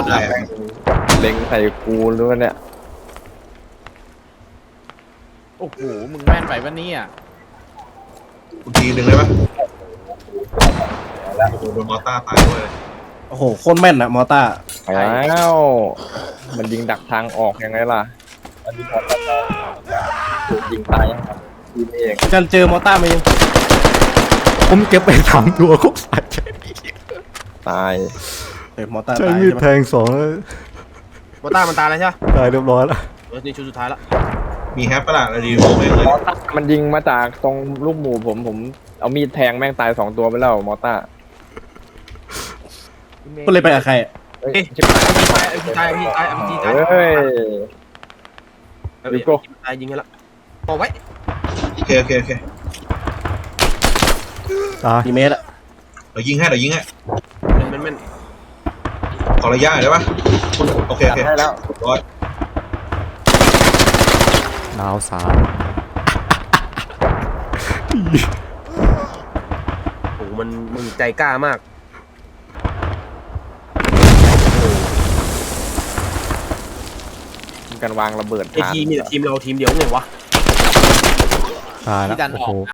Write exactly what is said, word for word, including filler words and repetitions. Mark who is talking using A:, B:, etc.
A: ได้เล็งใส่กูหรือว่าเนี่ย
B: โอ้โหมึงแม่นไปวันนี้อ่ะ
C: กูทีหนึ่งเลยปะโอ้โหโดนมอต้าตายด้วย
D: โอ้โหโคตรแม่นอะมอต้า
A: ไปแล้วมันยิงดักทางออกยังไงล่ะมันยิงออกถูกยิงตายทีมเอง
D: กันเจอมอต้ามายัง
E: ผมเก็บไปสามตัวครบสายใช้
A: ตาย
D: เฮ้ยมอต้า
E: ใช้
D: ตาย
E: มีด
D: ใช่ไหม
E: แทงสองแล้ว
D: มอต้ามันตายแล้วใช่ไหม
E: ตายเรียบร้อยแล้ว
D: เออนี่ชุดสุดท้ายแล้ว
C: มีแฮปปะล่ะเราดีโมเมนต์เลย
A: มันยิงมาจากตรงลูกหมูผมผมเอามีดแทงแม่งตายสองตัวไปแล้วมอต้า
D: ก็เลยไปกับใครอะ
A: เฮ้ยชิบหาย
D: ตายพี่ตายพี่ตาย
A: เฮ้ย
D: ยูโก้ตายยิงกันละบอกไว้
C: โอเคโอเคโอเค
E: ตาย
D: กี่เมตรอะ
C: เดี๋ยวยิงให้เดี๋ยวยิงให้
D: แม่นแม่น
C: ขอระยะหน่อยได้ปะโอเคโอเค
A: ให้แล้ว
C: ร้อย
E: ดาวสาม
D: โอ้มันมึงใจกล้ามาก
A: การวางระเบิด
D: ไอทีมมีแต่ทีมเราทีมเดียวไงวะ
E: ตายแล้ว
B: ที่ดันอ
E: โอ้
B: อก
E: โห